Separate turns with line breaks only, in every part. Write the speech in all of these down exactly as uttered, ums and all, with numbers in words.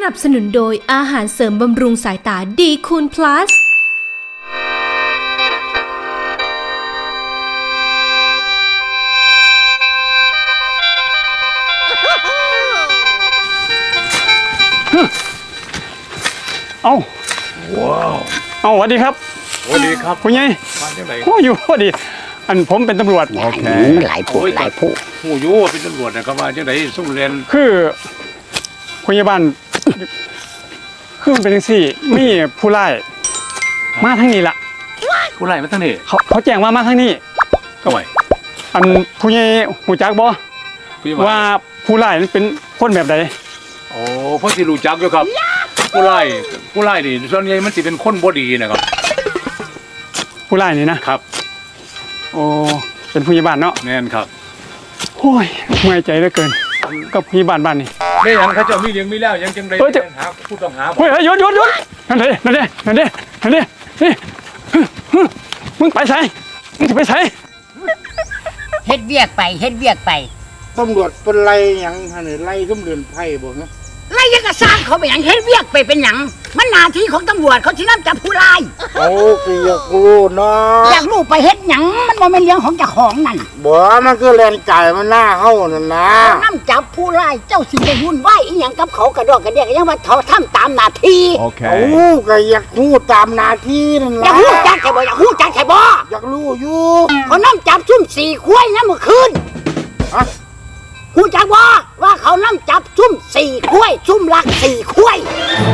นับสนุนโดยอาหารเสริมบำรุงสายตาดีคูณ plus
เอาว้าวเอาสวัสดีครับ
สวัสดีครับ
คุณยัย
มาจากไหน
โอ้อยู่พอดีอันผมเป็นตำรวจ
โอเคหลายผู้หลายผู้
ผู้ยู่เป็นตำรวจนะครับมาจากไหนสุ่มเรียน
คือคุณยาบาลคือมันเป็นจังซี่มีผู้ไล่มาทางนี้ล่ะ
ผู้ไล่มาทางนี้
เขาเขาแจ้งว่ามาทางนี้
ก็ไหว
อันผู้ใหญ่หูจักบ่ว่าผู้ไล่นั้นเป็นคนแบบใด
โอ้พ่อที่รู้จักอยู่ครับผู้ไล่ผู้ไล่นี่ส่วนใหญ่มันสิเป็นคนบ่ดีนะครับ
ผู้ไล่นี่นะครับโอ้เป็นผู้ใหญ่บ้านเนาะ
แน่นครับ
โอ้ยเมื่อยใจเหลือเกินกับผู้ใหญ่บ้านบ้านนี่
ได้ยังเขาเจ้ามีเลี้ยงมีแล้วยังจังได๋หาผู้ต้องหา
เฮ้ยหยุดหยุดหยุดนั่นเด้นั่นเด้นั่นเด้นั่นเด้นี่มึงไปไสมึงจะไปไส
เฮ็ดเวียกไปเฮ็ดเวียกไป
ตำรวจเป็นไรหยังหั่นนี่ไล่ตำรวจไผบ่ฮะ
ไล่ยังก็สร้างเขาไปหยังเฮ็ดเวียกไปเป็นหยังมันหน้าที่ของตำรวจเขาสินำจับผู้ร้าย
โอ้ก็อยากรู้เนาะ
อยากรู้ไปเฮ็ดหยังมันบ่แม่นเรื่องของเจ้าของนั่น
บ่มันคือแล่นไก่มันหน้าเฮานั่นนะ
นำจับผู้ร้ายเจ้าสิไปวุ่นวายอีหยังกับเขากระดอกกระเดียกยังว่าเขาทำตามหน้าที่
โอเคโอ้ก็อยากรู้ตามหน้าที่นั่น
ล่ะอยากรู้จักใช่บ่อยากรู้จักใช่บ่
อยากรู้อยู่
เขานำจับซุ่มสี่ควายนะเมื่อคืน
ฮะ
กูจักว่าว่าเขานั่งจับซุ่มสี่คุ้ยซุ่มลักสี่คุ้ย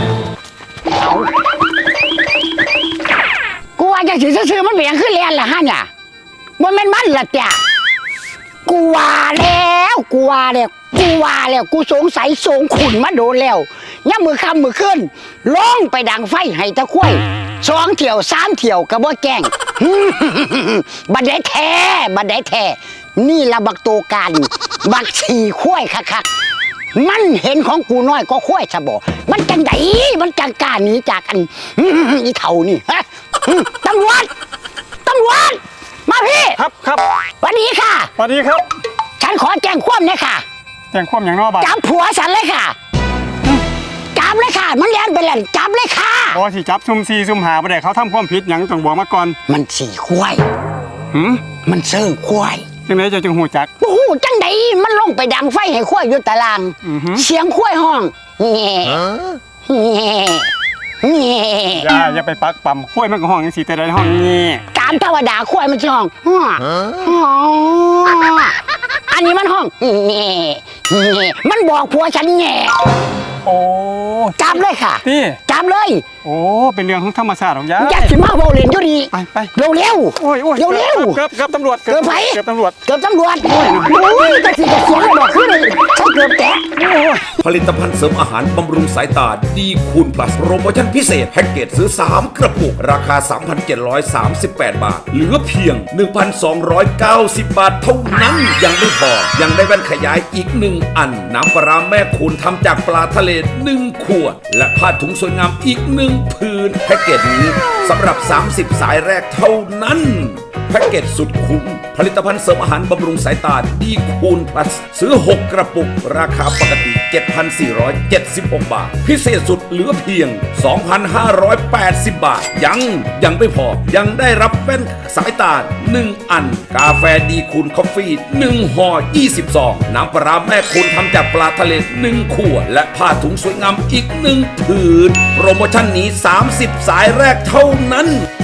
กูว่าจะซื้อมันเบี่ยงขึ้นเรียนละฮะเนี่ยมันเป็นมันละจ้ะกูว่าแล้วกูว่าแล้วกูว่าแล้วกูสงสัยสงขุนมาโดนแล้วย่ามือคำมือขึ้นลงไปดังไฟให้ตะคุ้ยสองเที่ยวสามเที่ยวกระบอกแกงบัดได้แท้บัดได้แท้นี่ละบักโตกันบักสี่ข้วยคักๆมันเห็นของกูน้อยก็ข้วยซะบ่มันจังไดมันจังกล้าหนีจากอันอีเฒ่านี่ฮะตำรวจตำรวจมาพี่
ครับครับ
สวัสดีค่ะ
สวัสดีครับ
ฉันขอแจ้งความเลยค่ะ
แจ้งความอย่างนอกบ้าน
จับผัวฉันเลยค่ะจับเลยค่ะมันเลี้ยนไปแล้วจับเลยค่ะ
บ่สิจับซุ่มสี่ซุ่มหาบ่ได้เขาทำความผิดหยังต้องบอกมาก่อน
มันสี่ข้วย
หืม
มันเซิงข้วย
จังได๋จะจังฮู้จัก
โอ้โหจังไดมันลงไปดังไฟให้ข้วยอยู่ตารางเสียงข้วยห้องแง่แง่แง่
อย่าอย่าไปปักปั๊มข้วยมันก็ห้องจังซี่แต่ได้ห้องแง่
ตามธรรมดาข้วยมันสิห้องฮ้ออันนี้มันห้องแง่แง่มันบอกผัวฉันแง่
โอ้
จับเลยค่ะจับเลย
โอ้เป็นเรื่องของธรรมชาติของยา
อยากสิมาเว้าเล่นอยู่ดี
ไปไป
เร็วเร็ว
โอ้ยโอ้ย
เร็วเร็ว
เกือบเกือบตำรวจ
เกือบไป
เกือบตำรวจ
เกือบตำรวจโอ้ยแต่สิจะเสียงบอกขึ้นเลยฉันเกือบแตะ
ผลิตภัณฑ์เสริมอาหารบำรุงสายตาดีคูณ plus โปรโมชั่นพิเศษแพ็กเกจซื้อสามกระปุกราคา สามพันเจ็ดร้อยสามสิบแปด บาทเหลือเพียง หนึ่งพันสองร้อยเก้าสิบ บาทเท่านั้นยังไม่พอยังได้แว่นขยายอีกหนึ่งอันน้ำปลาแม่คูณทำจากปลาทะเลหนึ่งขวดและผ้าถุงสวยงามอีกหนึ่งผืนแพ็กเกจนี้สำหรับสามสิบสายแรกเท่านั้นแพ็กเกจสุดคุ้มผลิตภัณฑ์เสริมอาหารบำรุงสายตาดีคูณ plus ซื้อหกกระปุกราคาปกติ เจ็ดพันสี่ร้อยเจ็ดสิบหก บาทพิเศษสุดเหลือเพียง สองพันห้าร้อยแปดสิบ บาทยังยังไม่พอยังได้รับแว่นสายตาหนึ่งอันกาแฟดีคูณคอฟฟี่หนึ่งห่อยี่สิบซองน้ำปลาแม่คูณทำจากปลาทะเลหนึ่งขวดและผ้าถุงสวยงามอีกหนึ่งผืนโปรโมชั่นนี้สามสิบสายแรกเท่านั้น